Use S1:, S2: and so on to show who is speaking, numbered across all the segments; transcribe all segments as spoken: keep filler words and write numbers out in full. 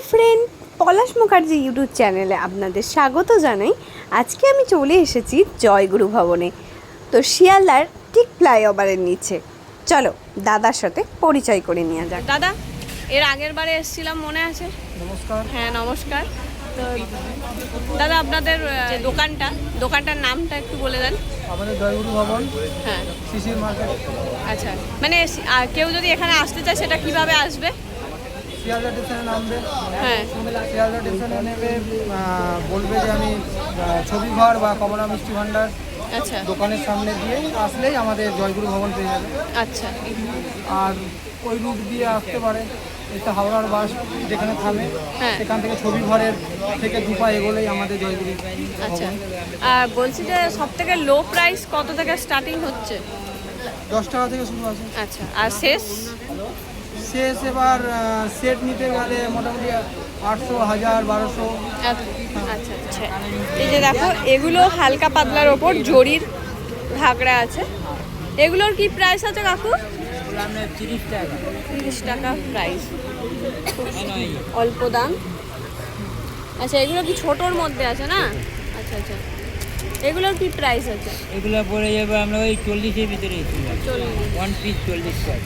S1: Friend, পলাশ Mukherjee YouTube চ্যানেলে আপনাদের স্বাগত জানাই। আজকে আমি চলে এসেছি জয়গুরু ভবনে, তো শিয়ালদার ঠিক ফ্লাইওভারের নিচে। চলো দাদার সাথে পরিচয় করে নেওয়া যাক। দাদা, এর আগের বারে এসেছিলাম, মনে আছে?
S2: নমস্কার।
S1: হ্যাঁ নমস্কার। তো দাদা, আপনাদের যে দোকানটা দোকানটার নামটা একটু বলে দেন।
S2: আমাদের জয়গুরু ভবন,
S1: হ্যাঁ,
S2: শিশির মার্কেট।
S1: আচ্ছা, মানে আহ, কেউ যদি এখানে আসতে চায় সেটা কিভাবে আসবে?
S2: শিয়ালদা স্টেশনে নামবে।
S1: হ্যাঁ,
S2: শিয়ালদা স্টেশনে নেমে আহ, বলবে যে আমি আহ, ছবি ঘর বা কমলা মিষ্টি ভাণ্ডার
S1: আচ্ছা
S2: দোকানের সামনে দিয়ে আসলেই আমাদের জয়গুরু ভবন পেয়ে যাবে।
S1: আচ্ছা
S2: আর ওই রুট দিয়ে আসতে পারে, এটা হাওড়ার বাস যেখানে থামে,
S1: হ্যাঁ।
S2: সেখান থেকে ছবি ঘরের থেকে দু পা এগোলেই আমাদের জয়গুরু
S1: আচ্ছা।
S2: ভবন।
S1: আর বলছি যে সব থেকে লো প্রাইস কত থেকে স্টার্টিং হচ্ছে?
S2: দশ টাকা থেকে শুরু আছে।
S1: আচ্ছা, আর শেষ?
S2: শেষ এবার সেট নিতে গেলে মোটামুটি আটশো, হাজার, বারোশো।
S1: আচ্ছা আচ্ছা। এই যে দেখো, এগুলো হালকা পাতলার ওপর জরির ঘাগড়া আছে। এগুলোর কি প্রাইস আছে কাকু?
S2: তিরিশ টাকা।
S1: তিরিশ টাকা প্রাইস, অল্প দাম। আচ্ছা, এগুলো কি ছোটোর মধ্যে আছে না? আচ্ছা আচ্ছা। এগুলোর কি প্রাইস আছে?
S3: এগুলো পড়ে যাবে আমরা ওই চল্লিশের ভিতরে
S1: চল্লিশ।
S3: ওয়ান পিস চল্লিশ টাকা।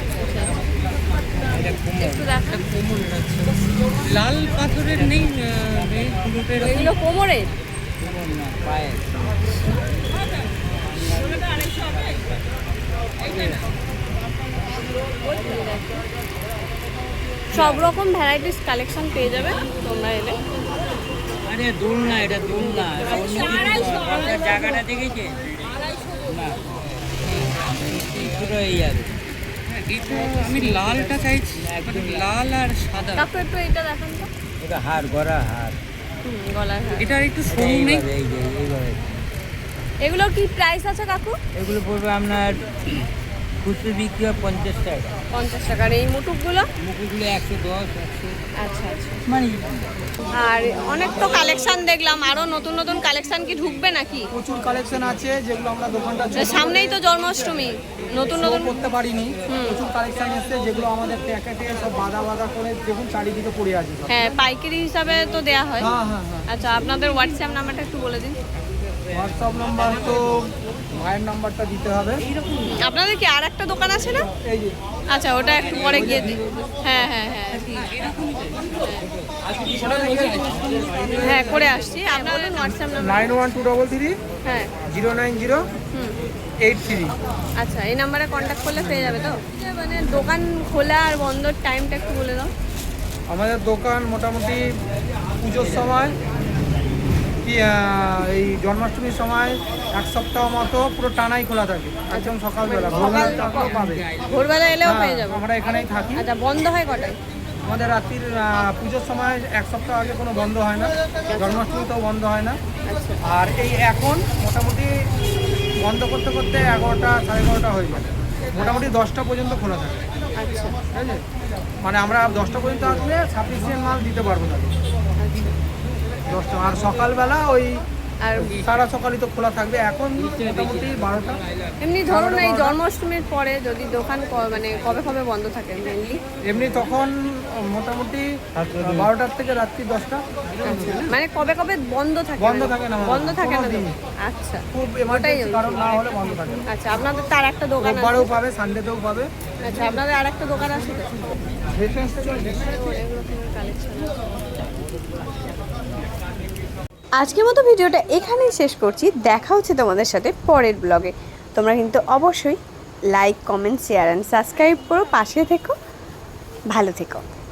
S3: এটা
S1: একটু দেখা।
S3: লাল পাথরের নেই,
S1: এগুলো কোমরে?
S3: কোমর না, পায়ে।
S1: সব রকম ভ্যারাইটিস কালেকশন পেয়ে যাবে তোমরা এলে।
S3: আরে দুল না, এটা দুল না, এটা অন্য কিছু। আপনার জায়গাটা দেখেছে না, এই পুরো এই যাবে।
S4: আমি লালটা চাইছি, মানে লাল আর সাদা।
S1: কাকু একটু এটা দেখান তো।
S3: এটা হার গড়া হার।
S1: হুম, গলার হার।
S4: এটা একটু সরু নেই?
S3: এইভাবে, এই যে এইভাবে।
S1: এগুলোর কি প্রাইস আছে কাকু?
S3: এগুলো পড়বে আপনার খুচরো বিক্রি হয় পঞ্চাশ টাকা,
S1: পঞ্চাশ টাকা। আর এই মুটুকগুলো?
S3: মুখগুলো একশো দশ, একশো।
S1: আচ্ছা আচ্ছা।
S3: মানে
S1: আর অনেক তো কালেকশন দেখলাম, আরো নতুন নতুন কালেকশন কি ঢুকবে নাকি?
S2: প্রচুর কালেকশন আছে যেগুলো আমরা দোকানটা ছোট
S1: সামনেই তো জন্মাষ্টমী, নতুন
S2: show
S1: নতুন।
S2: করতে পারিনি। প্রচুর কালেকশন এসেছে যেগুলো আমাদের প্যাকেটে সব বাঁধা বাঁধা করে দেখুন চারিদিকে পড়ে আছে সব।
S1: হ্যাঁ, পাইকারি হিসাবে তো দেয়া হয়।
S2: হ্যাঁ হ্যাঁ হ্যাঁ।
S1: আচ্ছা, আপনাদের হোয়াটসঅ্যাপ নাম্বারটা একটু বলে দিন।
S2: হোয়াটসঅ্যাপ নাম্বার তো ভাইয়ের নাম্বারটা দিতে হবে।
S1: আপনাদের কি আর একটা দোকান আছে না?
S2: এই যে
S1: আচ্ছা, ওটা একটু পরে গিয়ে দিই। হ্যাঁ হ্যাঁ হ্যাঁ ঠিক। হ্যাঁ, করে আসছি। আপনাদের WhatsApp number?
S2: Nine one two double three
S1: হ্যাঁ।
S2: জিরো নাইন জিরো
S1: হুম।
S2: Eight three.
S1: আচ্ছা, এই নাম্বারে কন্ট্যাক্ট করলে পেয়ে যাবে তো? মানে দোকান খোলা আর বন্ধর টাইমটা একটু বলে দাও।
S2: আমাদের দোকান মোটামুটি পুজোর সময় কি আহ, এই জন্মাষ্টমীর সময় এক সপ্তাহ মতো পুরো টানাই খোলা থাকে, একদম সকালবেলা ভোরবেলা টাকাও পাবে।
S1: ভোরবেলা এলেও
S2: হ্যাঁ,
S1: পেয়ে যাবো।
S2: আমরা এখানেই থাকি।
S1: আচ্ছা, বন্ধ হয় কটায়?
S2: আমাদের রাত্রির আহ, পুজোর সময় এক সপ্তাহ আগে কোনো বন্ধ হয় না, জন্মাষ্টমীতেও বন্ধ হয় না।
S1: আচ্ছা
S2: আর এই এখন মোটামুটি বন্ধ করতে করতে এগারোটা সাড়ে এগারোটা হয়ে যায়, মোটামুটি দশটা পর্যন্ত খোলা থাকে।
S1: আচ্ছা
S2: ঠিক আছে, মানে আমরা দশটা পর্যন্ত আসলে সাফিসিয়েন্ট মাল দিতে পারবো তাকে।
S1: আচ্ছা।
S2: দশটা আর সকালবেলা ওই
S1: আর
S2: সারা সকালই তো খোলা থাকবে, এখন মোটামুটি বারোটা।
S1: এমনি ধরুন এই জন্মাষ্টমীর পরে যদি দোকান ক- মানে কবে কবে বন্ধ থাকে মেনলি?
S2: এমনি তখন মোটামুটি বারোটার থেকে রাত্রি দশটা।
S1: মানে কবে কবে বন্ধ থাকে?
S2: বন্ধ থাকে না,
S1: বন্ধ থাকে না
S2: কোনো
S1: তো?
S2: দিন।
S1: আচ্ছা
S2: খুব
S1: ওটাই
S2: এমার্জেন্সি কারণ না হলে বন্ধ থাকে না।
S1: আচ্ছা, আপনাদের তার একটা দোকান আছে?
S2: রোববারেও পাবে, সানডেতেও পাবে।
S1: আচ্ছা, আপনাদের আর একটা দোকান আছে তো?
S2: রেফারেন্স থেকে
S1: অনেক রকমের কালেকশন আছে। আজকের মতো ভিডিওটা এখানেই শেষ করছি। দেখা হচ্ছে তোমাদের সাথে পরের ব্লগে। তোমরা কিন্তু অবশ্যই like, comment, share and subscribe করো, পাশে থেকো, ভালো থেকো।